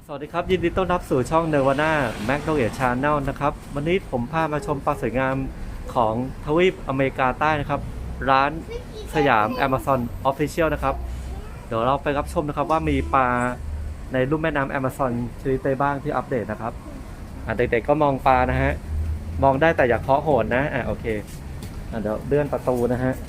สวัสดีครับยินดีต้อนรับสู่ช่อง Nirvana Magnolia Channel นะครับวันนี้ผมพามาชมปลาสวยงามของทวีปอเมริกาใต้นะครับร้านสยาม Amazon Official นะครับเดี๋ยวเราไปรับชมนะครับว่ามีปลาในลุ่มแม่น้ำ Amazon ชนิดใดบ้างที่อัปเดตนะครับเด็กๆก็มองปลานะฮะมองได้แต่อย่าเคาะโหนนะโอเคเดี๋ยวเลื่อนประตูนะฮะ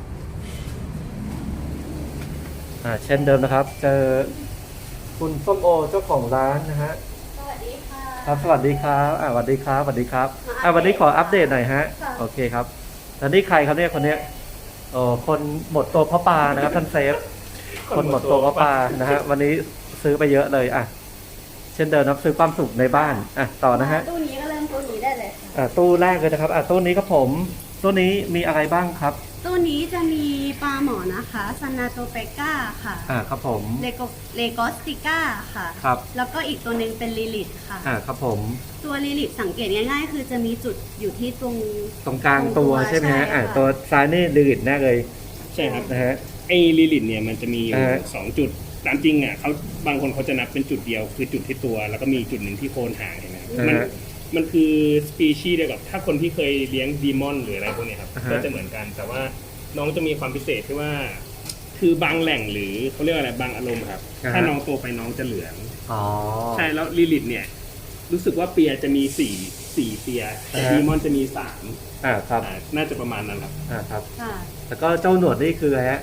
เช่นเดิมนะครับเจอคุณส้มโอเจ้าของร้านนะฮะสวัสดีค่ะครับสวัสดีครับสวัสดีครับสวัสดีครับวันนี้ขออัปเดตหน่อยฮะโอเคครับแล้วนี่ใครครับเนี่ยคนเนี้ยคนหมดตัวเพราะปลานะครับท่านเซฟคนหมดตัวเพราะปลานะฮะวันนี้ซื้อไปเยอะเลยเช่นเดิมนะซื้อความสุขในบ้านต่อนะฮะตู้นี้ก็เริ่มตู้นี้ได้เลยค่ะตู้แรกเลยนะครับตู้นี้ครับผมตู้นี้มีอะไรบ้างครับตู้นี้จะมีปลาหมอนะคะซานาโตเปก้าค่ะครับผมเลโกสติก้าค่ะครับแล้วก็อีกตัวหนึ่งเป็นลิลิตค่ะครับผมตัวลิลิตสังเกตง่ายๆคือจะมีจุดอยู่ที่ตรงกลางตัวใช่ไหมฮะตัวซ้ายนี่ลิลิตแน่เลยใช่ครับนะฮะไอ้ลิลิตเนี่ยมันจะมีอยู่2 จุดตามจริงเขาบางคนเขาจะนับเป็นจุดเดียวคือจุดที่ตัวแล้วก็มีจุดหนึ่งที่โคนหางเห็นไหมมันคือสปีชีส์เดียวกับถ้าคนที่เคยเลี้ยงดีมอนหรืออะไรพวกนี้ครับก็จะเหมือนกันแต่ว่าน้องจะมีความพิเศษที่ว่าคือบางแหล่งหรือเขาเรียกอะไรบางอารมณ์ครับถ้าน้องโตไปน้องจะเหลืองใช่แล้วลิลิตเนี่ยรู้สึกว่าเปียจะมี4เปียแต่ดีมอนจะมี3 ครับน่าจะประมาณนั้นครับครับแล้วก็เจ้าหนวดนี่คืออะไรฮะ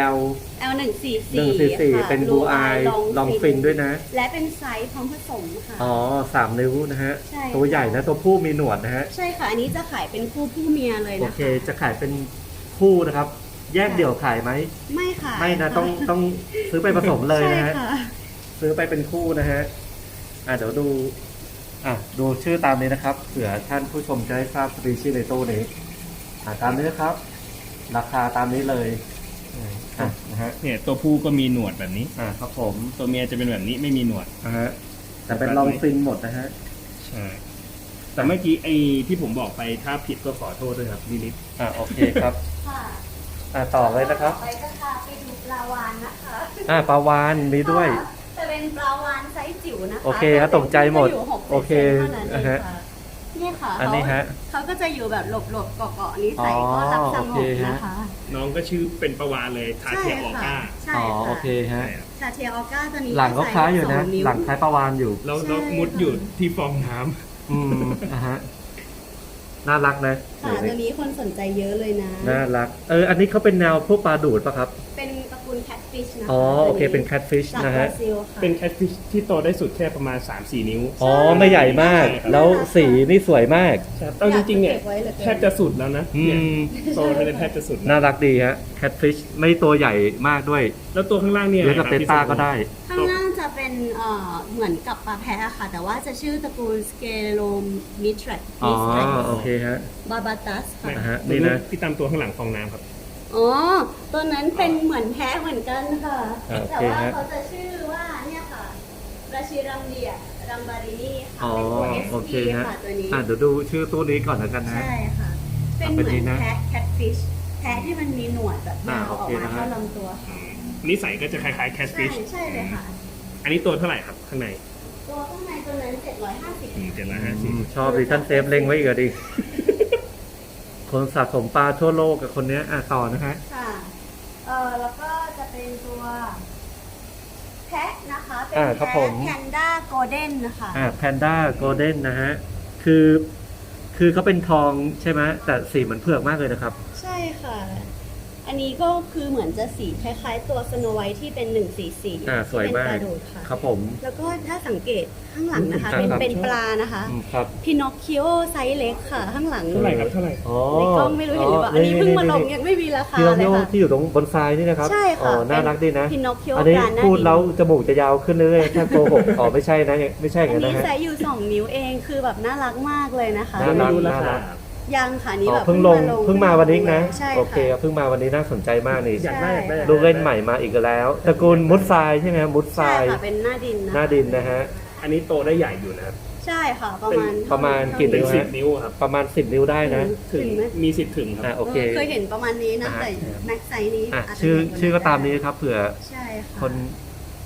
L144 เป็นบูอายลองฟินด้วยนะและเป็นไซส์พร้อมผสมค่ะ 3 นิ้วนะฮะตัวใหญ่นะตัวผู้มีหนวดนะฮะใช่ค่ะอันนี้จะขายเป็นคู่ผู้เมียเลยนะคะโอเคจะขายเป็นคู่นะครับแยกเดี่ยวขายไหมไม่ค่ะไม่นะต้องซื้อไปผสมเลยนะฮะซื้อไปเป็นคู่นะฮะเดี๋ยวดูชื่อตามนี้นะครับเผื่อท่านผู้ชมจะได้ทราบสปีชีส์ในตู้นี้ตามนี้นะครับราคาตามนี้เลยนะฮะเนี่ยตัวผู้ก็มีหนวดแบบนี้ครับผมตัวเมียจะเป็นแบบนี้ไม่มีหนวดฮะแต่เป็นลองฟินหมดนะฮะใช่แต่เมื่อกี้ไอ้ที่ผมบอกไปถ้าผิดก็ขอโทษด้วยครับลิลิตโอเคครับต่อเลยนะครับไปก็พาไปดูปลาวาฬนะคะปลาวาฬมีด้วยจะเป็นปลาวาฬไซส์จิ๋วนะคะโอเคครับตกใจหมดโอเคนี่ค่ะอันนี้ฮะเขาก็จะอยู่แบบหลบๆเกาะๆนี้ใส่ก็รับสงบนะคะน้องก็ชื่อเป็นปลาวาฬเลยทาเทียออก้าโอเคฮะทาเทียออก้าจะมีหลังก็คล้ายอยู่นะหลังคล้ายปลาวาฬอยู่แล้วมุดอยู่ที่ฟองน้ำฮะน่ารักนะตัวนี้คนสนใจเยอะเลยนะน่ารักอันนี้เขาเป็นแนวพวกปลาดูดป่ะครับเป็นตระกูลแคทฟิชนะโอเคเป็นแคทฟิชนะฮะเป็นแคทฟิชที่โตได้สุดแค่ประมาณ 3-4 นิ้วไม่ใหญ่มากแล้วสีนี่สวยมากเอาจริงๆเนี่ยแทบจะสุดแล้วนะโตไปแทบจะสุดน่ารักดีฮะแคทฟิชไม่ตัวใหญ่มากด้วยแล้วตัวข้างล่างเนี่ยเลี้ยงกับเตต้าก็ได้ข้างล่างจะเป็นเหมือนกับปลาแพะค่ะแต่ว่าจะชื่อตระกูลสเกโลมิทรัสโอเคฮะบาบาตัสค่ะนี่นะที่ตามตัวข้างหลังฟองน้ำครับตัวนั้นเป็นเหมือนแพะเหมือนกันค่ะแต่ว่าเขาจะชื่อว่าเนี่ยค่ะราชิรัมเดียรัมบารินีค่ะเป็นตัว SP ค่ะตัวนี้เดี๋ยวดูชื่อตัวนี้ก่อนแล้วกันนะใช่ค่ะเป็นเหมือนแพะแคทฟิชแพะที่มันมีหนวดแบบยาวออกมาเท่าลำตัวค่ะนิสัยก็จะคล้ายๆแคทฟิชใช่เลยค่ะอันนี้ตัวเท่าไหร่ครับข้างในตัวข้างในตัวนั้น 750 ชอบดิท่านเซฟเล็งไว้อีกดิคนสะสมปลาทั่วโลกกับคนนี้ต่อนะฮะค่ะแล้วก็จะเป็นตัวแพะนะคะเป็นแพะแพนด้าโกลเด้นนะคะแพนด้าโกลเด้นนะฮะคือเขาเป็นทองใช่ไหมแต่สีเหมือนเผือกมากเลยนะครับใช่ค่ะอันนี้ก็คือเหมือนจะสีคล้ายๆตัวสโนไวท์ที่เป็น144 สวยมากครับผมแล้วก็ถ้าสังเกตข้างหลังนะคะเป็นปลานะคะพินอคคิโอไซส์เล็กค่ะข้างหลังเท่าไหร่ครับเท่าไหร่ในกล้องไม่รู้เห็นหรือเปล่าอันนี้เพิ่งมาลงยังไม่มีราคาเลยค่ะที่อยู่ตรงบนทรายนี่นะครับใช่ค่ะน่ารักดีนะพินอคคิโออันนี้พูดแล้วจมูกจะยาวขึ้นเรื่อยๆแค่โกหกไม่ใช่นะไม่ใช่กันนะฮะอันนี้ใส่อยู่2 นิ้วเองคือแบบน่ารักมากเลยนะคะน่ารักยังค่ะนี่แบบเพิ่งมาวันนี้นะโอเคเพิ่งมาวันนี้น่าสนใจมากนี่อยากได้ลูกเล่นใหม่มาอีกแล้วตระกูลมุดทรายใช่ไหมมุดทรายเป็นหน้าดินนะฮะอันนี้โตได้ใหญ่อยู่นะครับใช่ค่ะประมาณกี่นิ้วฮะ 10 นิ้วครับประมาณ10 นิ้วได้นะถึงมีสิทธิ์ถึงครับโอเคเคยเห็นประมาณนี้นะแต่แม็กไซส์นี้ชื่อก็ตามนี้ครับเผื่อคน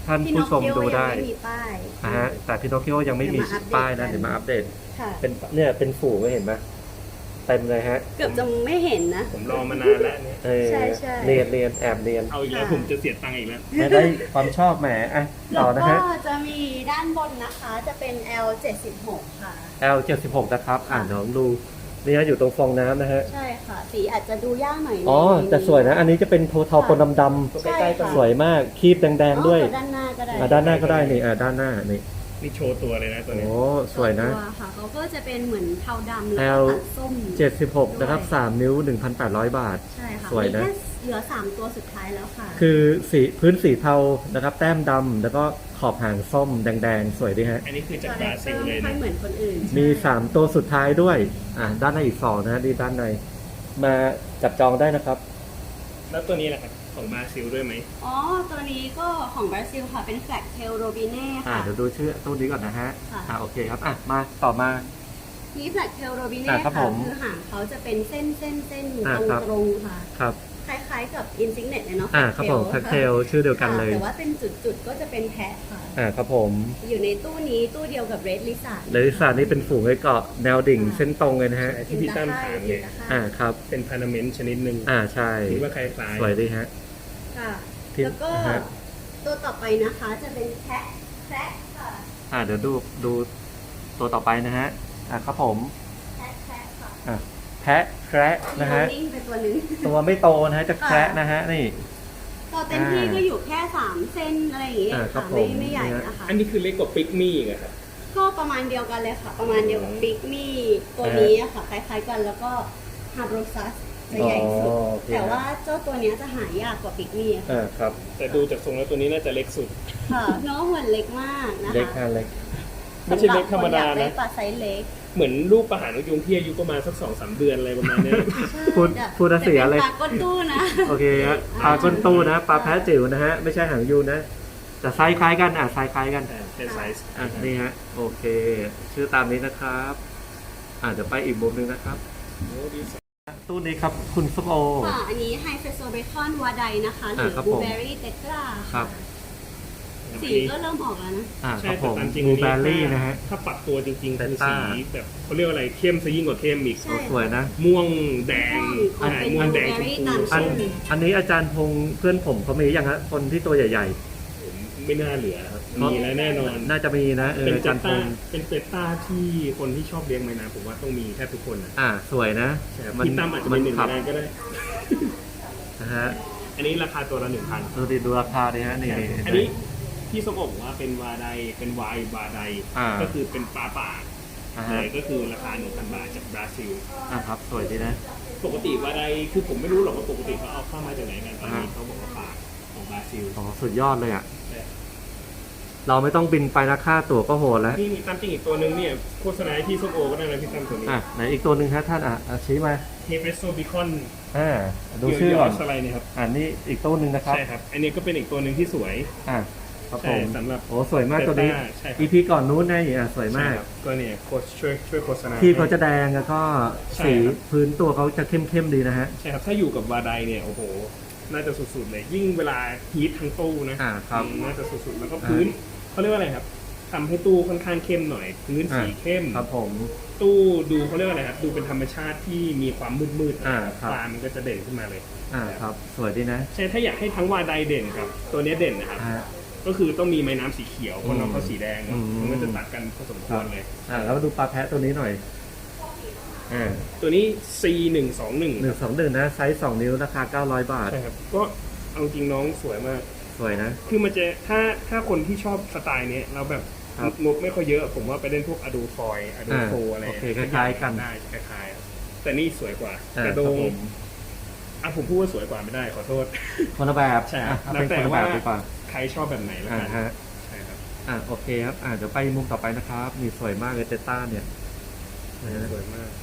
ท่านผู้ชมดูได้พี่นอคคิโอยังไม่มีป้ายฮะแต่พินอคคิโอยังไม่มีเดี๋ยวมาอัปเดตป้ายนะกันเดี๋ยวมาอัปเดตค่ะเป็นเนี่ยเป็นฝูงเห็นไหมเต็มเลยฮะเกือบจะไม่เห็นนะผมรอมานานแล้วเนี่ยเออใช่ใช่เรียนแอบเรียนเอาอีกแล้วค่ะผมจะเสียตังค์อีกแล้วไม่ได้ความชอบแหมอ่ะแล้ต่อวนะก็ฮะจะมีด้านบนนะคะจะเป็น L76 ค่ะ L76 นะครับเดี๋ยวดูนี่ฮะอยู่ตรงฟองน้ำนะฮะใช่ค่ะ สีอาจจะดูยากหน่อยอ๋อในแต่สวยนะ อันนี้จะเป็นโทเทาปนดำใช่ค่ะๆสวยมากคีบแดงๆด้วยอ๋อด้านหน้าก็ได้ด้านหน้าก็ได้นี่ด้านหน้านี่นี่โชว์ตัวเลยนะตัวเนี้ยโอ้สวยนะตัวค่ะเขาก็จะเป็นเหมือนเทาดำแล้วก็ตัดส้ม 76นะครับ3นิ้ว 1,800 บาทใช่ค่ะสวยนะมีแค่เหลือ 3 ตัวสุดท้ายแล้วค่ะคือสีพื้นสีเทานะครับ แต้มดำแล้วก็ขอบหางส้มแดงๆ สวยดีฮะอันนี้คือจากคาบแรราคเตซิอลร์เลยไม่ค่อนะยเหมือนคนอื่นมีใช่ 3 ตัวสุดท้ายด้วยด้านในอีก2นะดีด้านในมาจับจองได้นะครับแล้วตัวนี้แหละครับของบราซิลด้วยไหมอ๋อ ตัวนี้ก็ของบราซิลค่ะ เป็นแฟลกเทลโรบิเน่ค่ะเดี๋ยวดูชื่อตู้นี้ก่อนนะฮะค่ะโอเคครับมาต่อมานี่แฟลกเทลโรบิเน่ครับค่ะผมคือหางเขาจะเป็นเส้นครับตรงๆค่ะครับคล้ายๆกับอินซิกเน็ตเลยเนาะครับผมทักเทลชื่อเดียวกันเลยแต่ว่าเป็นจุดๆก็จะเป็นแพะค่ะครับผมอยู่ในตู้นี้ตู้เดียวกับเรดลิซ่าเลลิสานี่เป็นฝูงไอ้เกาะแนวดิ่งเส้นตรงเลยนะฮะใช่ที่พี่ตั้มถามเลยครับเป็นพานาเมนต์ชนิดหนึ่งใช่คิดว่าคล้ายสวยดีฮะค่ะที่แล้วก็ฮะตัวต่อไปนะคะจะเป็นแพะค่ะเดี๋ยวดูตัวต่อไปนะฮะครับผมแพะค่ะแพะแคระนะฮะมีนิ่งไปตัวหนึงตัวไม่โตนะฮะจะแคระนะฮะนี่ตัวเต็มที่ก็อยู่แค่ 3 เซนอะไรอย่างเงี้ยครัค่ะบผมไม่ใหญ่นะคะๆ อันนี้คือเล็กกว่าปิกมี่อีกอะครับก็ประมาณเดียวกันเลยค่ะ ประมาณเดียวกับบิ๊กมี่ตัวนี้อะค่ะคล้ายๆกันแล้วก็ฮาร์โบซัสจะใหญ่สุดโอเคแต่ว่าเจ้าตัวเนี้ยจะหายากกว่าบิ๊กมี่ค่ะครับแต่ดูจากทรงแล้วตัวนี้น่าจะเล็กสุดค่ะน้องเหมือนเล็กมากนะคะเล็กฮะเล็กไม่ใช่เล็กธรรมดาสำหบคอยกนะได้ปลาไซส์เล็กเหมือนลูกปลาหางนกยุงที่อายุประมาณสัก 2-3 เดือนอะไรประมาณเนี้ยใช่พูดเสียเลยแต่เป็นปลาก้นตู้นะโอเคฮะปลาก้นตู้นะปลาแพะจิ๋วนะฮะไม่ใช่หางยูนะแต่ไซส์คล้ายกันไซส์คล้ายกันเป็นไซส์นี่ฮะโอเค ชื่อตามนี้นะครับเดี๋ยวไปอีกมุมหนึงนะครับโอ้ดีสุดตู้นี้ครับคุณส้มโอค่ะอันนี้ไฮเฟรโซเบคอนวาไดนะคะหรือครับบลูผมเบอรี่เตตราครับสีก็เริ่มออกแล้วนะคใช่รับผแต่มตามจริงบลูอันเบอนี้รี่นะฮะถ้าปรับตัวจริงๆคือ Delta สีแบบเขาเรียกว่าอะไรเข้มซะยิ่งกว่าเข้มอีกใช่สวยนะม่วงแดงม่วงเป็นม่วงแดงชม blueberry พูตามชื่อันนี้อาจารย์พงษ์เพื่อนผมเขามียังฮะคนที่ตัวใหญ่ผมไม่น่าเหลือครับๆมีแล้วแน่นอนน่าจะมีนะเป็นอาเปจารย์พต้างษ์เป็นเปต้าที่คนที่ชอบเลี้ยงไม้น้ำผมว่าต้องมีแทบทุกคนนะสวยนะใช่ครับพี่ตั้มอาจจะเป็นหนึ่งขับในนั้นก็ได้นะฮะอันนี้ราคาตัวละ 1,000 ดูราคาดิฮะนี่อันนี้พี่สมบอกว่าเป็นวาไดเป็นวาได ก็คือเป็นปลาป่าฮะเลยก็คือราคา 1,000 บาทจากบราซิลครับสวยดีนะปกติวาไดคือผมไม่รู้หรอกว่าปกติเขาเอาเข้ามาจากไหนกันตอนนี้เขาบอกว่าป่าของบราซิลสุดยอดเลยเราไม่ต้องบินไปนะค่าตั๋วก็โหดแล้วนี่ตามจริงอีกตัวหนึ่งเนี่ยโฆษณาให้พี่ส้มโอก็ได้นะพี่ตั้มตัวนี้ไหนอีกตัวหนึ่งฮะท่านชี้มาเฮเฟโซบิคอนดูชื่อก่อนอะไรเนี่ยครับนี่อีกตัวหนึ่งนะครับใช่ครับ อันนี้ก็เป็นอีกตัวหนึ่งที่สวยครับผใช่มสำหรับโอ้สวยมากตัวนี้ใช่ครับ EP ก่อนนู้นนะสวยมากใช่ครับก็เนี่ยโค้ชช่วยโฆษณาที่เขาจะแดงแล้วก็ใช่สีครับพื้นตัวเขาจะเข้มๆดีนะฮะใช่ครับ ถ้าอยู่กับวาไดเนี่ยโอ้โห น่าจะสุดๆเลย ยิ่งเวลาฮีททั้งตู้นะครับ น่าจะสุดๆแล้วก็พื้นเขาเรียกว่าอะไรครับทำให้ตู้ค่อนข้างเข้มหน่อย พื้นสีเข้มครับผมตู้ดูเขาเรียกว่าอะไรครับดูเป็นธรรมชาติที่มีความมืดๆครับปลามันก็จะเด่นขึ้นมาเลยครับสวยดีนะใช่ถ้าอยากให้ทั้งวาไดเด่นครับ ตัวเนี้ยเด่นนะครับ ก็คือต้องมีไม้น้ำสีเขียวเพราะน้องเขาสีแดงเนอะมันก็จะตัดกันพอสมควรเลยแล้วมาดูปลาแพะตัวนี้หน่อยตัวนี้ C121 121นะไซส์2นิ้วราคา900 บาทใช่ครับ ก็เอาจริงน้องสวยมากสวยนะคือมันจะถ้าคนที่ชอบสไตล์เนี้ยเราแบบครับงบไม่ค่อยเยอะ ผมว่าไปเล่นพวกอดูฟอยอดูโฟอะไรโอเคคล้ายๆกันได้คล้ายๆแต่นี่สวยกว่า กระคโดรับงผมผมพูดว่าสวยกว่าไม่ได้ขอโทษคนละแบบใช่ครับเป็นคนละแบบดีกว่าใครชอบแบบไหนแล้วกันฮะใช่ครับโอเคครับเดี๋ยวไปมุมต่อไปนะครับนี่สวยมากเลยเตต้าเนี่ยสวยมาก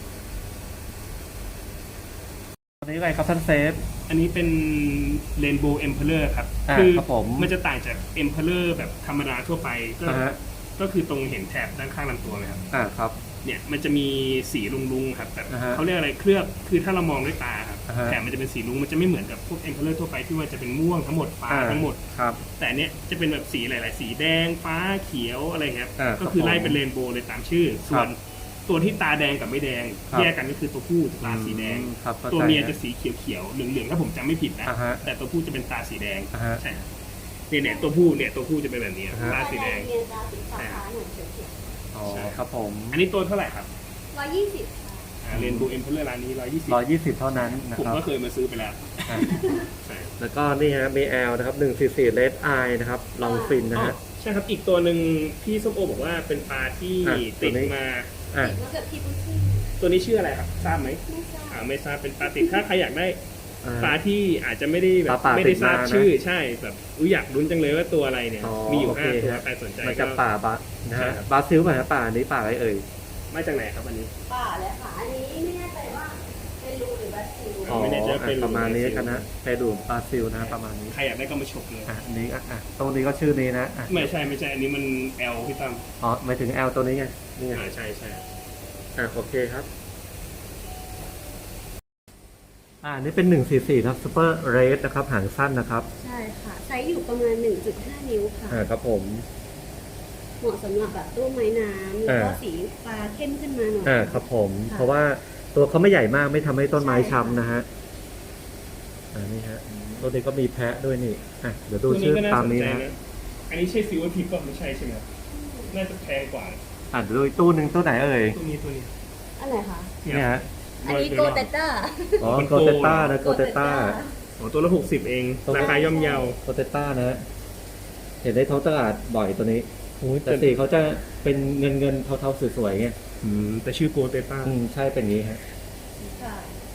ตัวนี้อะไรครับท่านเซฟอันนี้เป็น Rainbow Emperor ครับครับผมมันจะต่างจาก Emperor แบบธรรมดาทั่วไปก็ฮะก็คือตรงเห็นแถบด้านข้างลำตัวไหมครับครับเนี่ยมันจะมีสีลุงๆครับแบบอ่าฮะเขาเรียกอะไรเคลือบคือถ้าเรามองด้วยตาครับอ่าฮะแต่มันจะเป็นสีลุงมันจะไม่เหมือนกับพวกเอ็มเพลเลอร์ทั่วไปที่ว่าจะเป็นม่วงทั้งหมดฟ้าทั้งหมดครับแต่เนี้ยจะเป็นแบบสีหลาย ๆ สีแดงฟ้าเขียวอะไรครับครับก็คือไล่ผมเป็นเรนโบว์เลยตามชื่อ ส่วนตัวที่ตาแดงกับไม่แดงครับแยกกันก็คือตัวผู้จะตาสีแดงครับข้าใจตัวเมียฮจะสีเขียว ๆ เหลือง ๆ ถ้าผมจำไม่ผิดนะอ่าฮะแต่ตัวผู้จะเป็นตาสีแดงอ่าฮะใช่ครับเนี่ยตัวผู้จะเป็นแบบนี้อ่าฮะตาสีแดงเมียตาสีฟ้าๆหน่อยเขียวอ๋อครับผมอันนี้ตัวเท่าไหร่ครับๆ120ค่ะเรนโบว์เอ็มเพลเลอร์ร้านนี้120 120 เท่านั้นนะผมครับก็เคยมาซื้อไปแล้วอ่ะใช่แล้วก็นี่ฮะมี L นะครับ144 Red Eye นะครับลองฟินนะอ๋อฮะใช่ครับอีกตัวหนึ่งพี่ส้มโอบอกว่าเป็นปลาที่อ่ะติดตัวนี้มาอ่ะติดมากับพี่ปุ้ชี่ตัวนี้ชื่ออะไรครับทราบไหมไม่ทราบไม่ทราบเป็นปลาติดถ้าใครอยากได้อ่าปลาที่อาจจะไม่ได้แบบปลาไม่ได้ทราบติดมานะชื่อใช่แบบอยากลุ้นจังเลยว่าตัวอะไรเนี่ยอ๋อมีอยู่โอเค 5 ตัวฮะใครสนใจมาก็จากป่าบานะใช่ฮะครับบราซิลป่ะฮะป่านี้ป่าอะไรเอ่ยมาจากไหนครับอันนี้ป่าเลยค่ะ อันนี้ไม่แน่ใจว่าเป็นรูหรือบราซิลอ๋อไม่แน่ใจว่าเป็นประมาณนี้บราซิลกันนะเปรูบราซิลนะประมาณนี้ใครอยากได้ก็มาฉกเลยอันนี้ตรงนี้ก็ชื่อนี้นะอ่ะไม่ใช่อันนี้มัน L พี่ตั้มอ๋อหมายถึง L ตัวนี้ไงนี่ไงใช่โอเคครับนี่เป็น144ครับซูเปอร์เรดนะครับหางสั้นนะครับใช่ค่ะ ไซส์อยู่ประมาณ 1.5 นิ้วค่ะครับผมเหมาะสำหรับแบบตู้ไม้น้ำแล้วก็สีฟ้าเข้มขึ้นมาหน่อยครับผมค่ะเพราะว่าตัวเขาไม่ใหญ่มากไม่ทำให้ต้นไม้ใช่ค่ะช้ำนะฮะนี่ฮะตัวนี้ก็มีแพะด้วยนี่เดี๋ยวดูตัวนี้ชื่อก็น่าตามสนนี้ใจนะนะอันนี้ใช่ซิลเวอร์ทิปก็ไม่ใช่ใช่ไหมครับน่าจะแพงกว่าเดี๋ยวดูอีกตู้หนึ่งตู้ไหนเอ่ยตัวนี้อะไรคะเนี่ยฮะอันนี้โกเตต้าอ๋อโกเตต้านะโกเตต้าตัวละ60เองราคาย่อมเยาโกเตต้านะฮะเห็นในท้องตลาดบ่อยตัวนี้โอ้ยแต่สีเขาจะเป็นเงินเทาๆสวยๆไงแต่ชื่อโกเตต้าใช่เป็นอย่างนี้ฮะค่ะ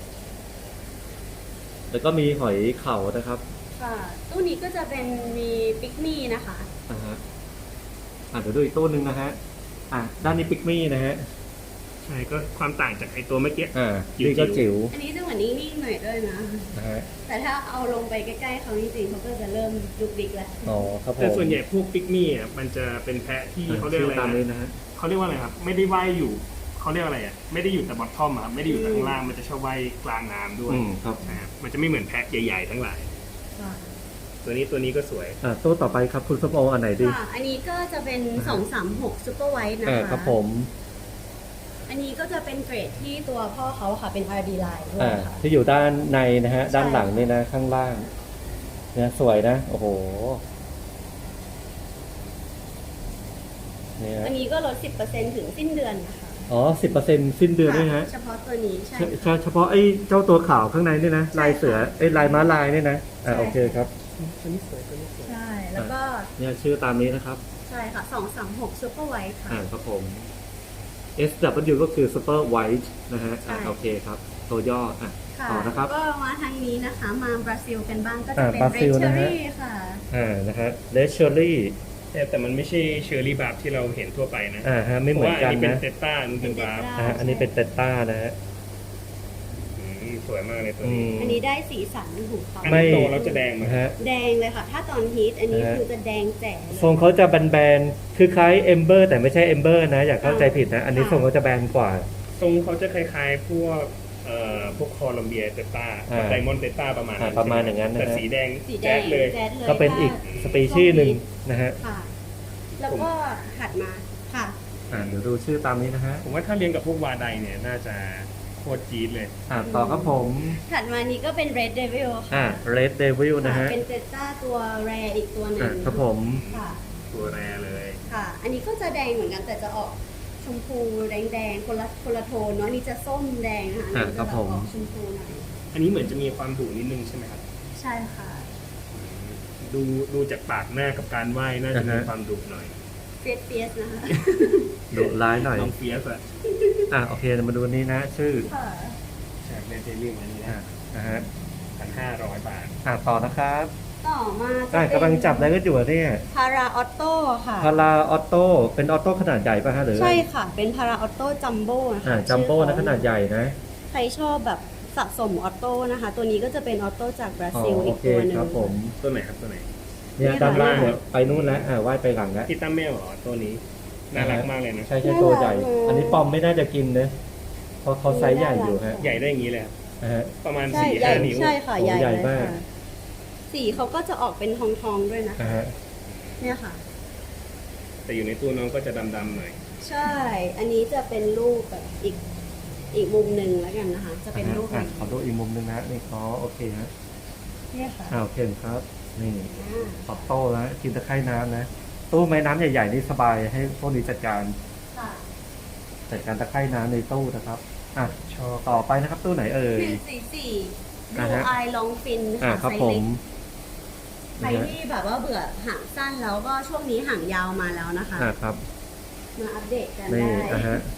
แล้วก็มีหอยเข่านะครับค่ะ ตู้นี้ก็จะเป็นมีปิกมี่นะคะฮะเดี๋ยวดูอีกตู้หนึ่งนะฮะด้านนี้ปิกมี่นะฮะใช่ก็ความต่างจากไอตัวเมื่อกี้นี่ก็จิ๋วอันนี้จะเหมือนนิ่งๆหน่อยด้วยนะนะฮะแต่ถ้าเอาลงไปใกล้ๆเขาจริงๆเขาก็จะเริ่มดุกดิกแล้วอ๋อครับผมแต่ส่วนใหญ่พวกปิกมี่อ่ะมันจะเป็นแพะที่เขาเรียกอะไรตามนี้นะนะฮะเขาเรียกว่าอะไรครับ ไม่ได้ว่ายอยู่เขาเรียกอะไรอ่ะไม่ได้อยู่แต่บอททอมครับไม่ได้อยู่แต่ข้างล่างมันจะชอบว่ายกลางน้ำด้วยครับนะครับมันจะไม่เหมือนแพะใหญ่ๆทั้งหลายค่ะตัวนี้ก็สวยตู้ต่อไปครับคุณส้มโออันไหนดีค่ะ อันนี้ก็จะเป็น 236 Super White นะคะครับผมอันนี้ก็จะเป็นเกรดที่ตัวพ่อเขาค่ะเป็น RD line ด้วยค่ะที่อยู่ด้านในนะฮะใช่ด้านหลังนี่นะข้างล่างเนี่ยสวยนะ โอ้โหเนี่ยอันนี้ก็ลด 10%ถึงสิ้นเดือนนะคะอ๋อ10%สิ้นเดือนด้วยฮะเฉพาะตัวนี้ใช่เฉพาะไอ้เจ้าตัวขาวข้างในนี่นะใช่ลายเสือลายม้าลายนี่นะใช่โอเคครับตัวนี้สวยใช่ แล้วก็เนี่ยชื่อตามนี้นะครับใช่ค่ะ 236 Super White ค่ะครับผม SW ก็คือ Super White นะฮะใช่โอเคครับ ตัวย่อค่ะต่อนะครับก็มาทางนี้นะคะ มาบราซิลกันบ้างก็จะเป็นบรา Red ซิลนะฮะ Cherry ค่ะนะฮะ Red Cherry แต่มันไม่ใช่เชอร์รี่บาร์บที่เราเห็นทั่วไปนะไม่เหมือนกันพราะว่าอันนี้เป็นนะเตต้าอันนี้เป็นบาร์บอันนี้เป็นเตต้านะฮะสวยมากเลยตัวนี้อันนี้ได้สีสันของเขาอันนี้โตแล้วจะแดงไหมนะฮะแดงเลยค่ะ ถ้าตอนฮีทอันนี้นะฮะคือจะแดงแจ๋เลยทรงเขาจะแบนๆคือคล้ายเอมเบอร์แต่ไม่ใช่เอมเบอร์นะ อย่าเข้าใจผิดนะ อันนี้ค่ะทรงเขาจะแบนกว่าทรงเขาจะคล้ายๆพวกคอลัมเบียเตต้าไดมอนด์เตต้าประมาณนั้นประมาณอย่างนั้นนะฮะแต่สีแดงสีแดแจ๊งดเลยแจ๊ดเลยก็เป็นอีกสปีชีส์หนึ่งนะฮะค่ะ แล้วก็ถัดมาค่ะเดี๋ยวดูชื่อตามนี้นะฮะผมว่าถ้าเรียนกับพวกวาไดเนี่ยน่าจะโคตรจี๊ดเลยต่อครับผมถัดมานี้ก็เป็น Red Devil ค่ะ Red Devil นะค่ะฮะเป็นเตต้าตัวแรอีกตัวหนึ่งครับผมค่ะตัวแรเลยค่ะ อันนี้ก็จะแดงเหมือนกันแต่จะออกชมพูแดงๆคนละโทนเนาะอันนี้จะส้มแดงนะคะอันนี้จะแบบออกชมพูหน่อยอันนี้เหมือนจะมีความดุนิดนึงใช่ไหมครับใช่ค่ะดูจากปากหน้ากับการไหว้น่าจะมีความดุหน่อยเฟียสนะคะดุร้ายหน่อยน้องเฟียสอะโอเคมาดูนี้นะ ชื่อค่ะใช่เรียนเจลลี่อันนี้นะนะฮะ 1,500 บาทต่อนะครับต่อมาจะเป็นกำลังจับอะไรก็อยู่อะเนี่ยพาราออโต้ค่ะพาราออโต้เป็นออโต้ขนาดใหญ่ป่ะฮะหรือใช่ค่ะ เป็นพาราออโต้จัมโบ้นะคะจัมโบ้ชื่อนะเขขนาดใหญ่นะใครชอบแบบสะสมออโต้นะคะ ตัวนี้ก็จะเป็นออโต้จากบราซิลโออีกเคตัวหนึ่งครับผมตัวไหนครับตัวไหนเนี่ยนี่ด้านล่างค่ะเนี่ยไปนู่นแล้วว่ายไปหลังแล้วที่ตั้มแม่เหรอตัวนี้น่ารักมากเลยนะใช่ตัวใหญ่ อันนี้ปอมไม่น่าจะกินนะเพราะเขาไซส์ใหญ่อยู่ฮะใหญ่ได้อย่างนี้เลยครับนะฮะประมาณใช่ 4-5 ใหญ่นิ้วใช่ค่ะโอ้ใหญ่ใหญ่เลยมากค่ะสีเขาก็จะออกเป็นทองๆด้วยนะนะฮะเนี่ยค่ะแต่อยู่ในตู้น้องก็จะดำๆหน่อยใช่ อันนี้จะเป็นรูปแบบอีกมุมหนึ่งแล้วกันนะคะ จะเป็นรูปอ่ะนี้ขอดูอีกมุมหนึงนะนี่อ๋อโอเคฮะเนี่ยค่ะโอเคครับนี่อ่าออโต้แล้วกินตะไคร่น้ำนะตู้ไม้น้ำใหญ่ๆนี่สบายให้พวกนี้จัดการค่ะตะไคร่น้ำในตู้นะครับอ่ะชอบต่อไปนะครับตู้ไหนเอ่ย 144 อ่า Blue ฮะ Eye Long Fin อ่ะค่ะครับไซผส์เล็มก ใครที่แบบว่าเบื่อหางสั้นแล้วก็ช่วงนี้หางยาวมาแล้วนะคะครับมาอัปเดตกันนี่ได้ฮะ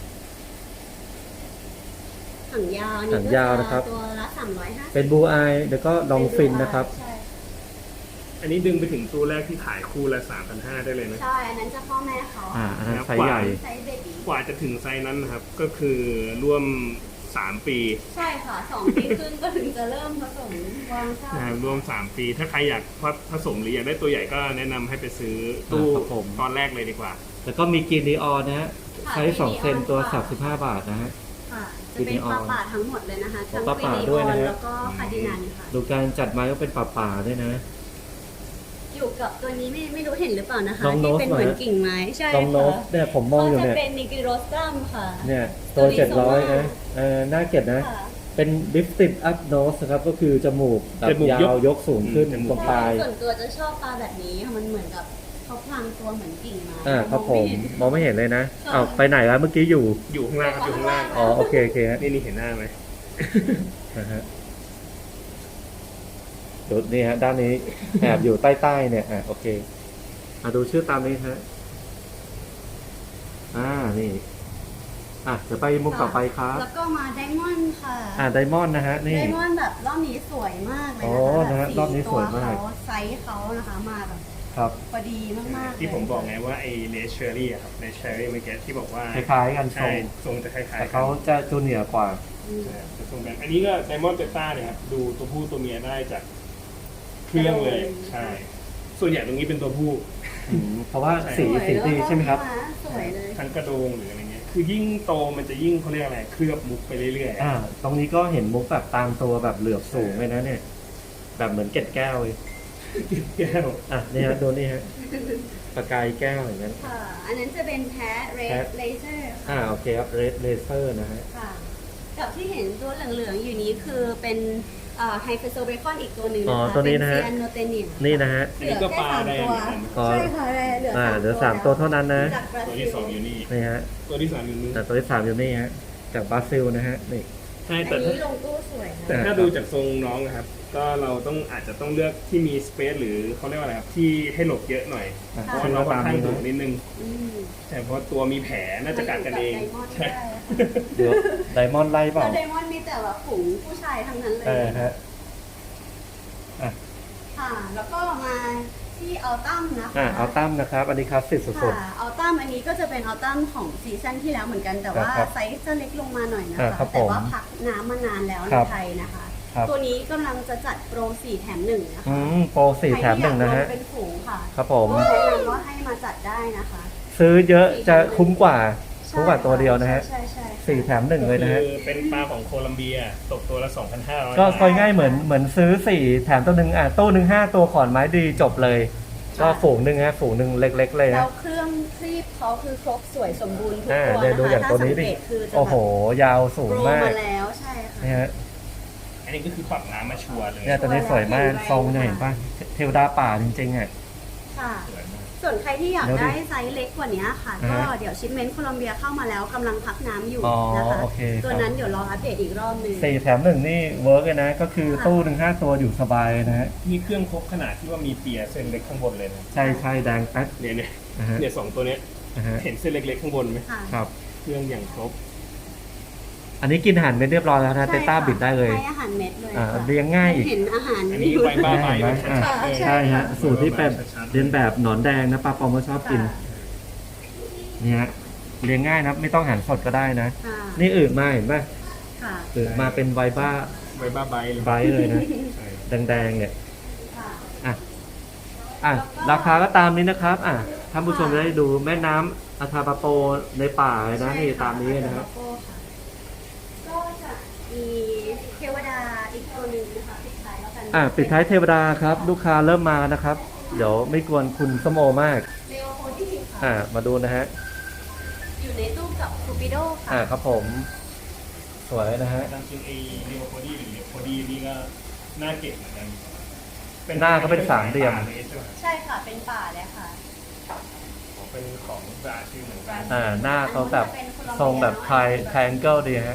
หางยาวนี่หางยาวนะครับตัวละ350 เป็นบูอายแล้วก็ลองฟินนะครับใช่อันนี้ดึงไปถึงตู้แรกที่ขายคู่ละ 3,500 ได้เลยนะใช่ อันนั้นจะพ่อแม่เขาอันนั้นไซส์ใหญ่ไซส์เบบี้กว่าจะถึงไซส์นั้นนะครับ ก็คือร่วม 3 ปีใช่ค่ะ2 ปีครึ่งก็ถึงจะเริ่มผสมวางข้าวนะครับร่วม 3 ปี ถ้าใครอยากผสมหรืออยากได้ตัวใหญ่ก็แนะนำให้ไปซื้อตู้ครับผมตอนแรกเลยดีกว่าแล้วก็มีกินดีออนนะฮะไซส์2เซนตัว35 บาทนะฮะค่ะ จะเป็นปลาป่าทั้งหมดเลยนะคะทั้งปลาคป่าวิด้วยออนะนฮะแล้วก็คาร์ดินันค่ะดูการจัดไม้ก็เป็นป่าๆด้วยนะอยู่กับตัวนี้ไม่รู้เห็นหรือเปล่านะคะลองโน้ที่ตเป็นเหมือนหน่อยกิ่งไม้ใช่ลองโน้ตค่ะเนี่ยผมมองอยู่เขาเนี่ยจะเป็นนิกิโรสตัมค่ะเนี่ยตัว 700นะน่าเกลียดนะค่ะเป็นลิฟติดอัพโนสครับก็คือจมูกแบบจมูกยาวยกสูงขึ้นจมูกตรงปลายส่วนตัวจะชอบปลาแบบนี้ค่ะมันเหมือนกับเขาพลางตัวเหมือนกิ่งไม้ครับผมมองไเห็นมองไม่เห็นเลยนะค่ะอ้าวไปไหนแล้วเมื่อกี้อยู่อยู่ข้างล่างครับอยู่ข้างล่างอ๋อโอเคฮะนี่เห็นหน้าไหมนะฮะดูนี่ฮะด้านนี้แอบอยู่ใต้ๆเนี่ยโอเคดูชื่อตามนี้ฮะนี่เดี๋ยวไปมุมต่อไปครับแล้วก็มาไดมอนด์ค่ะไดมอนด์นะฮะนี่ไดมอนด์แบบรอบนี้สวยมากเลยอ๋อนะคะนะฮะแบบรอบนี้สวยมากตัวเขไซส์เขานะคะมาแบบครับพอดีมากๆที่ผมเลยบอกไงว่าไอ้เลสเชอรี่อะครับเลสเชอรี่เมื่อกี้ที่บอกว่าคล้ายๆกันทรใช่งทรงจะคล้ายๆแต่กัเขาจะจูเนียร์กว่าอืมใช่จะทรงกันอันนี้ก็ไดมอนด์เบต้าเนี่ยครับดูตัวผู้ตัวเมียได้จากเครื่องเลย ใช่ ส่วนใหญ่ตรงนี้เป็นตัวผู้เพราะว่าใช่สีสวยดีใช่ไหมครับสวยเลยทั้งกระโดงหรืออะไรเงี้ยคือยิ่งโตมันจะยิ่งเขาเรียกอะไรเคลือบมุกไปเรื่อยๆตรงนี้ก็เห็นมุกแบบตามตัวแบบเหลือบสูงเลยนะเนี่ย แบบเหมือนเกล็ดแก้วเลยแก้วนี่ฮะดูนี่ฮะประกายแก้วอย่างนั้นค่ะ อันนั้นจะเป็นแพ้เรแพ้ดเลเซอร์โอเคครับเรดเลเซอร์นะฮะค่ะ กับที่เห็นตัวเหลืองๆอยู่นี้คือเป็นไฮเฟโซเบคอนอีกตัวหนึ่งอ๋นะอคะตัวนี้นะฮะเป็เซียโนเตเนียนี่นะฮะอันนี้ก็ปลาแดงเหมือนกันอ๋อใช่ค่ะเหลือเหลือ3ตัวเท่านั้นนะจากบราตัวซิที่ลสองอยู่นี่นี่ฮะตัวที่สามอยู่นู้นตัวที่3อยู่นี่ฮะจากบราซิลนะฮะนี่ใช่อันแต่นี้ลงตู้สวยแต่ค่ะถ้าดูจากทรงน้องนะครับ ก็เราอาจจะต้องเลือกที่มีสเปซหรือเขาเรียกว่าอะไรครับที่ให้หลบเยอะหน่อยอ่ะเพราะว่าน้องค่อนข้างดุนิดนึงอืมใช่เพราะว่าตัวมีแผลน่าจะกัดกันเองมาใช่ยู่กับไดมอนด์ได้เดี๋ยวไดมอนด์ไล่เปล่าแล้วไดมอนด์มีแต่แบบฝูงผู้ชายทั้งนั้นเลยฮะค่ะ แล้วก็มาที่อัลตัมนะคะเอาตั้มนะครับ อันนี้คลาสสิกสุดค่ะอัลตัมอันนี้ก็จะเป็นอัลตัมของซีซั่นที่แล้วเหมือนกันแต่ว่าครับไซส์จะเล็กลงมาหน่อยนะครัคะบแต่ว่าผมพักน้ำมานานแล้วคในรับไทยนะคะครับตัวนี้กำลังจะจัดโปร4 แถม 1 นะคะโปร4แถม1นะฮะใครที่อยากลงเป็นฝูงค่ะครับผมก็แนะนำว่าให้มาจัดได้นะคะซื้อเยอะจะคุ้มกว่าตัวเดียวนะฮะใช่ใช่ 4แถม1เลยนะฮะคือเป็นปลาของโคลัมเบียตกตัวละ 2,500 ก็ค่อยง่ายเหมือนซื้อ4แถมตัวหนึ่งตู้หนึ่ง5ตัวขอนไม้ดีจบเลย ก็ฝูงหนึ่งฮะฝูงหนึ่งเล็กๆเลยแล้นะวเครื่องคลีบเขาคือครบสวยสมบูรณ์ทุกเดี๋ยวดูตัวอย่างนะคะตัวถ้านี้สังดิเกตคือจะโอ้โห ยาวสูงโปรมากมาแล้วใช่ค่ะนี่ฮะอันนี้ก็คือปรับน้ำมาชัวร์เลยเนี่ยตัวนี้สวยมากแรงทรงเนี่ยเห็นป่ะเทวดาป่าจริงๆอ่ะค่ะสวยมากส่วนใครที่อยากเดี๋ยวดิได้ไซส์เล็กกว่านี้ค่ะ ก็อ่าฮะเดี๋ยวชิปเมนต์โคลัมเบียเข้ามาแล้วกำลังพักน้ำอยู่อ๋อนะคะโอเคครับตัวนั้นเดี๋ยวรออัปเดตอีกรอบหนึง 4แถม1นี่เวิร์กเลยนะ ก็คือตู้หนึ่ง5ตัวอยู่สบายนะฮะมีเครื่องครบขนาดที่ว่ามีเปียเส้นเล็กข้างบนเลยนะใช่แดงแป๊ดเนี่ยนะฮะเนี่ยสองตัวเนี้ยนะฮะเห็นเส้นเล็กๆข้างบนไหมค่ะครับเครื่องอย่างครบอันนี้กินอาหารเม็ดเรียบร้อยแล้วนะเตใช่ต้าค่ะบิดได้เลยให้อาหารเม็ดเลยค่ะเลี้ยงง่ายอีกเห็นอาหารอันนี้ใบบ้าใบเห็นไหมชัดๆเลยใช่ฮะสูตรที่เป็นชัดๆเรียนแบบหนอนแดงนะปลาปอมก็ชอบกินค่ะเนี่ยฮะเลี้ยงง่ายนะไม่ต้องหั่นสดก็ได้นะค่ะนี่อื่นมาเห็นป่ะค่ะอื่นมาเป็นไวบ้าใบบ้าใบเลยไบรท์เลยนะใช่แดงๆเนี่ยค่ะอ่ะราคาก็ตามนี้นะครับท่านผู้ชมจะได้ดูแม่น้ำอาทาปาโปในป่าเลยนะนี่ตามนี้นะครับก็จะมีเทวดาอีกตัวหนึ่งนะคะปิดท้ายแล้วกันปิดท้ายเทวดาครับ ลูกค้าเริ่มมานะครับ เดี๋ยวไม่กวนคุณส้มโอมากเลโอโพดี้ค่ะมาดูนะฮะอยู่ในตู้กับคูปิโดค่ะครับผมสวยนะฮะตามจริงไอ้เรียวโคดี้หรือเรียวโคดี้นี่ก็น่าเก็บเหมือนกันหน้าเขาเป็นสามเหลี่ยมใช่ค่ะเป็นป่าเลยค่ะเป็นของบราซิลเหมือนกันหน้าเขาแบบทรงแบบไทแองเกิลดีฮะ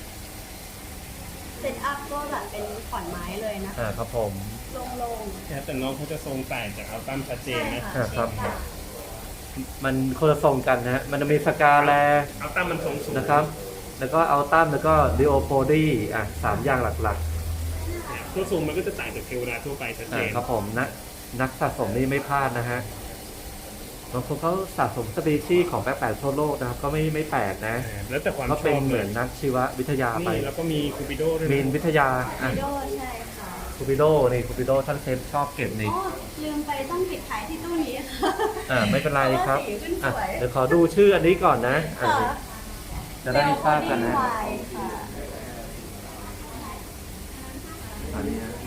เซตอัพก็แบบเป็นขอนไม้เลยนะคะครับผมโล่งแต่น้องเขาจะทรงต่างจากอัลตัมชัดๆเจนนะใช่ค่ะครับ มันคนละทรงกันนะฮะ มันจะมีสกาแลอัลตัมมันทรงสูงนะครับ แล้วก็อัลตัมแล้วก็ดิโอโพดี้สามอย่างหลักตัวทรงมันก็จะต่างจากเทวดาทั่วไปชัดเจนครับผมนักสะสมนี่ไม่พลาดนะฮะบางคนเขาสะสมสปีชีส์ของแปลกๆทั่วโลกนะครับ ก็ไม่แปลกนะแล้วแต่ความก็ชเป็นอบเหเลมือย นนักชีววิทยาไปนี่แล้วก็มีคูปิโดด้วยมีนวิทยาคูปิโดใช่ค่ะคูปิโดนี่คูปิโดท่านเซฟชอบเก็บนี่อ๋อลืมไปต้องปิดท้ายที่ตู้นี้ค่ะไม่เป็นไรครับเพาะว่าสีขึ้นสวยเดี๋ยวขอดูชื่ออันนี้ก่อนนะค่ะจะได้ทราบกันนะเลโอโพดี้ไวน์ค่ะอันนี้นะ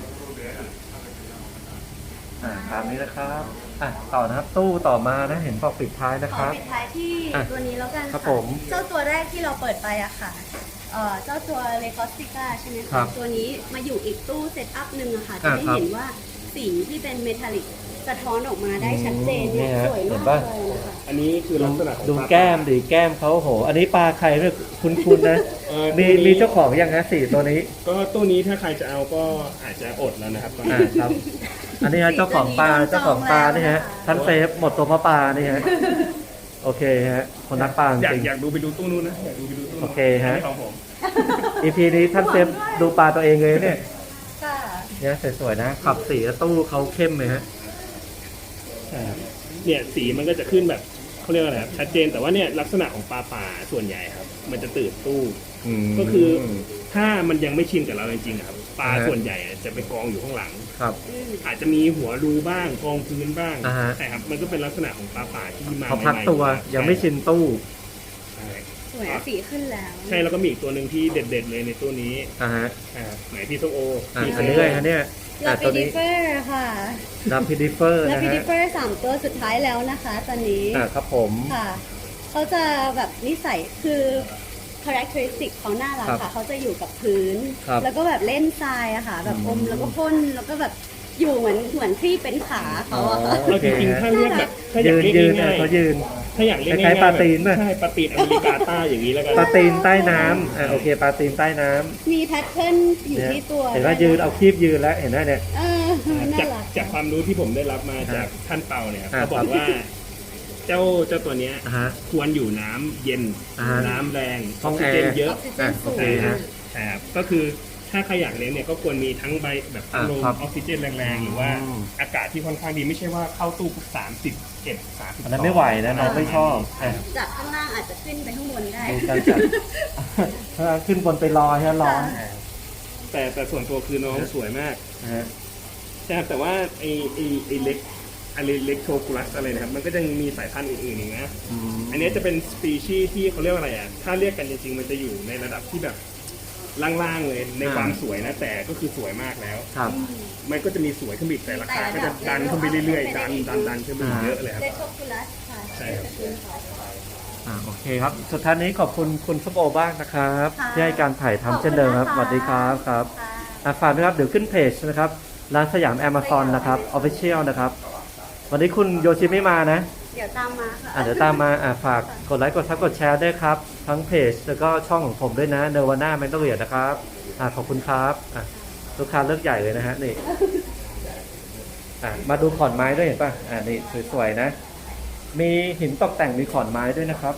ตามนี้นะครับต่อนะครับตู้ต่อมานะเห็นบอกปิดท้ายนะขคอรับปิดท้ายที่ตัวนี้แล้วกันครับค่ะผมเจ้าตัวแรกที่เราเปิดไปอะค่ะเจ้าตัวเลคอสติก้าใช่ไหมครัคะบตัวนี้มาอยู่อีกตู้เซตอัพหนึ่งอะค่ะ จะได้ครับเห็นว่าสีที่เป็นเมทัลลิกสะท้อนออกมาได้ชัดเจนเนี่ยเนี่ยสวยเห็มาน กปะเลยนะคะอันนี้คือลักษณะของดูปลาแก้มดิแก้มเขาโห อันนี้ปลาใครเรียกคุ้นๆนะ มีเจ้าของยังฮะสี่ตัวนี้ก็ตู้นี้ถ้าใครจะเอาก็อาจจะอดแล้วนะครับตอนนี้ครับ อันนี้ฮะเจ้าของปลานี่ฮะท่านเซฟหมดตัวเพราะปลานี่ฮะโอเคฮะคนนักปลาจอยากริงอยากดูไปดูตู้นู้นนะอยากดูไปดูตู้นู้นโอเคฮะนนี้ของผม EP นี้ท่านเซฟดูปลาตัวเองเลยเนี่ยค่ะเนี่ยสวยๆนะขับสีแล้วตู้เขาเข้มเลยฮะเนี่ยสีมันก็จะขึ้นแบบเขาเรียกว่าอะไรครับชัดเจนแต่ว่าเนี่ยลักษณะของปลาป่าส่วนใหญ่ครับ มันจะตื่นตู้ ก็คือถ้ามันยังไม่ชินกับเราจริงๆอะครับปลาส่วนใหญ่อะจะไปกองอยู่ข้างหลังครับอาจจะมีหัวรูบ้างกองพื้นบ้างอ่าฮะใช่ครับมันก็เป็นลักษณะของปลาป่าที่มาเขาพักใหม่ๆตัวยังไม่ชินตู้ใช่สวยอะสีขึ้นแล้วใช่แล้วก็มีอีกตัวหนึ่งที่เด็ดๆเลยในตู้นี้ฮะไหนพี่ส้มโออันพี่นี้เลยฮะเนี่ยลาตัปิวดินี้เฟอร์ค่ะลาพิดิเฟอร์ลานะปิดิฮะเฟอร์3ตัวสุดท้ายแล้วนะคะ ตอนนี้ครับผมค่ะ เขาจะแบบนิสัยคือ characteristic เขาน่ารักครัค่ะบเขาจะอยู่กับพื้นครับแล้วก็แบบเล่นทรายอะค่ะ แบบอมแล้วก็พ่นแล้วก็แบบอยู่เหมือนที่เป็นขาเขาอะค่ะเราจริงๆถ้าเรียกแบบถ้าอยากเรียกยืนง่ายเขายืนๆถ้าอยากเรียกคล้าง่ายยๆๆปลาตีนป่ะใช่ปลาตีนอเมริกาใต้อย่างนี้แล้วกันปลาตีนใต้น้ำโอเคปลาตีนใต้น้ำมีแพทเทิร์นอยู่เนี่ยที่ตัวเห็นว่ายืนเอาคีบยืนแล้วเห็นไหมเนี่ยเออน่าจากรักจากความรู้ที่ผมได้รับมาจากท่านเปาเนี่ยครับอ่าเขาบอกว่าเจ้าตัวเนี้ยฮะควรอยู่น้ำเย็นอ่าฮะน้ำแรงห้องซิเจนแอร์เยอะออกซิเจนสูงโอเคฮะใช่ครับก็คือถ้าใครอยากเลี้ยงเนี่ยก็ควรมีทั้งใบแบบพัดลมครับออกซิเจนแรงๆ หรือว่าอืมอากาศที่ค่อนข้างดีไม่ใช่ว่าเข้าตู้ปุ๊บ31 30 อันนั้นไม่ไหวนะน้องไม่ชอบจากข้างล่างอาจจะขึ้นไปข้างบนได้ดูการจัด ถ้าขึ้นบนไปลอยฮะร้อนแต่ส่วนตัวคือน้องสวยมากนะฮะใช่ครับแต่ว่าไอเล็กอะไรเล็กโชกุลัสอะไรนะครับมันก็ยังมีสายพันธุ์อื่นๆอีกนะ อันนี้จะเป็นสปีชีส์ที่เขาเรียกว่าอะไรอ่ะ ถ้าเรียกกันจริงๆ มันจะอยู่ในระดับที่แบบล่างๆเลยในความสวยนะ แต่ก็คือสวยมากแล้วครับมันก็จะมีสวยขึ้นไปอีกแต่ราคาก็จะดันขึ้นไปเรื่อยๆ ดันขึ้นไปอีกเยอะเลยครับเดโชคุลัสค่ะใช่ครับโอเคครับ สุดท้ายนี้ขอบคุณคุณส้มโอบ้างนะครับค่ะที่ให้การถ่ายทำเช่นเดิมครับ สขอบคุณนะคะวัสดีครับครับค่ะฝากด้วยครับ เดี๋ยวขึ้นเพจนะครับ ร้านสยาม Amazon นะครับ Official นะครับ วันนี้คุณโยชิไม่มานะเดี๋ยวตามมาค่ะเดี๋ยวตามมาฝากกดไลค์ กดซับกดแชร์ด้วยครับ ทั้งเพจแล้วก็ช่องของผมด้วยนะเนวาน่าแมนโตเรียนะครับขอบคุณครับลูกค้าเลือกใหญ่เลยนะฮะนี่มาดูขอนไม้ด้วยเห็นป่ะนี่สวยๆนะ มีหินตกแต่งมีขอนไม้ด้วยนะครับ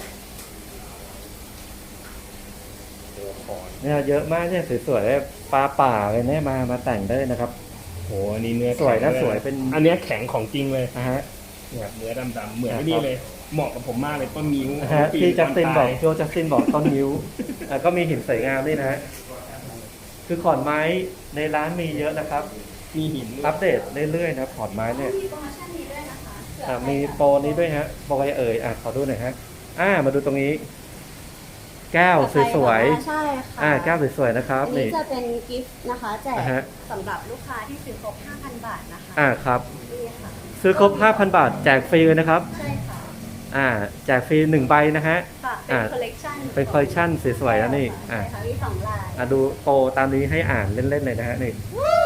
เนี่ยเยอะมากเนี่ยสวยๆปลาป่าเลยเนี่ยมาแต่งได้นะครับโหอันนี้เนื้อสวยนะแข็งสวยเป็นอันเนี้ยแข็งของจริงเลยนะฮะเนี่ยเนื้อดำๆเหมือนนี่เลย เหมาะกับผมมากเลยต้นนิ้วที่จัสตินบอกปีโจจัสตินบอกต้นนิ้วก็มีหินสวยงามด้วยนะฮะคือขอนไม้ในร้านมีเยอะนะครับมีหินด้วยอัปเดตเรื่อยๆนะขอนไม้เนี่ยมีโปรโมชั่นนี้ด้วยนะคะ คืมีโปรนี้ด้วยฮะโปรอะไรเอ่ยขอดูหน่อยฮะมาดูตรงนี้ แก้วสวยๆใช่ค่ะแก้วสวยๆนะครับอันนี้จะเป็นกิฟต์นะคะแจกฮะสำหรับลูกค้าที่ซื้อครบ 5,000 บาทนะคะครับนี่ค่ะซื้อครบ 5,000 บาทแจกฟรีเลยนะครับใช่ค่ะแจกฟรี1ใบนะฮะค่ะเป็นคอลเลกชันเป็นคอลเลคชันสวยๆแล้วนี่ใช่ค่ะมี2ลายดูโปรตามนี้ให้อ่านเล่นๆเลยนะฮะนี่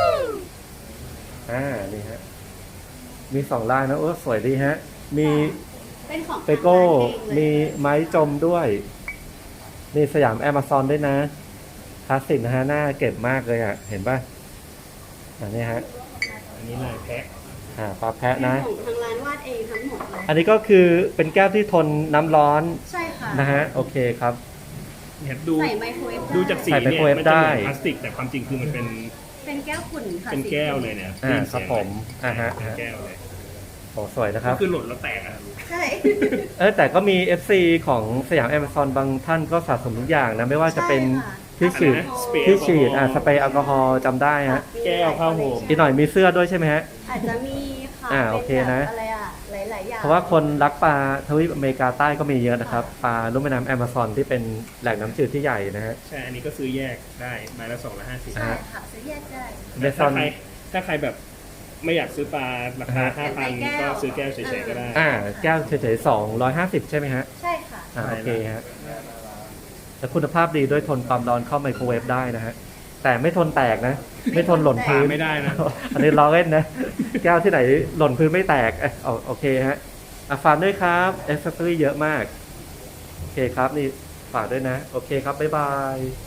นี่ฮะมี2ลายนะสวยดีฮะมีเป็นของเปโก้ทางร้านเองเลยมีไม้จมด้วยนี่สยาม Amazon ด้วยนะคลาสสิกนะฮะหน้าเก็บมากเลยเห็นป่ะนี่ฮะอันนี้ลายแพะปลาแพะเป็นนะของทางร้านวาดเองทั้งหมดเลยอันนี้ก็คือเป็นแก้วที่ทนน้ำร้อนใช่ค่ะนะฮะโอเคครับเนี่ยดูใส่ไมโครเวฟได้ดูจากสีใส่ไมเนี่ยโครเวฟมันจะเหมือนได้พลาสติกแต่ความจริงคือมันเป็นเป็นแก้วขุ่นค่ะเป็นแก้วเลยเนี่ยได้ยินครัเสีบยงผมเป็นแก้วเลยโอ้สวยนะครับก็คือหล่นแล้วแตกอะครับใช่แต่ก็มี FC ของสยาม Amazon บางท่านก็สะสมทุกอย่างนะไม่ว่าจะเป็นใช่ค่ะที่ฉีดสเปรย์ที่ฉีดแอลกอฮอล์สเปรย์แอลกอฮอล์จำได้ฮะแก้วผ้าห่มอีกหน่อยมีเสื้อด้วยใช่ไหมฮะอาจจะมีค่ะโอเคนะป็แบบอะไรหลายๆอย่างเพราะว่าคนรักปลาทวีปอเมริกาใต้ก็มีเยอะนะครับ ปลาลุ่มแม่น้ำแอมะซอนที่เป็นแหล่งน้ำจืดที่ใหญ่นะฮะใช่ อันนี้ก็ซื้อแยกได้ไม้ละ250 ใช่ค่ะซื้อแยกได้แต่ Amazon ถ้าใครแบบไม่อยากซื้อปลาราคา 5,000 ก็ซื้อแก้วเฉยๆก็ได้แก้วเฉยๆ250 ใช่ไหมฮะใช่ค่ะโอเคฮะแต่คุณภาพดีด้วยทนความร้อนเข้าไมโครเวฟได้นะฮะ แต่ไม่ทนแตกนะ ไม่ทนหล่นปลาพื้นไม่ได้นะอันนี้ล้อเล่นนะ แก้วที่ไหนหล่นพื้นไม่แตกโอเคฮะฝากด้วยครับเอสเซอรี่เยอะมาก โอเคครับนี่ฝากด้วยนะ โอเคครับ บ๊ายบาย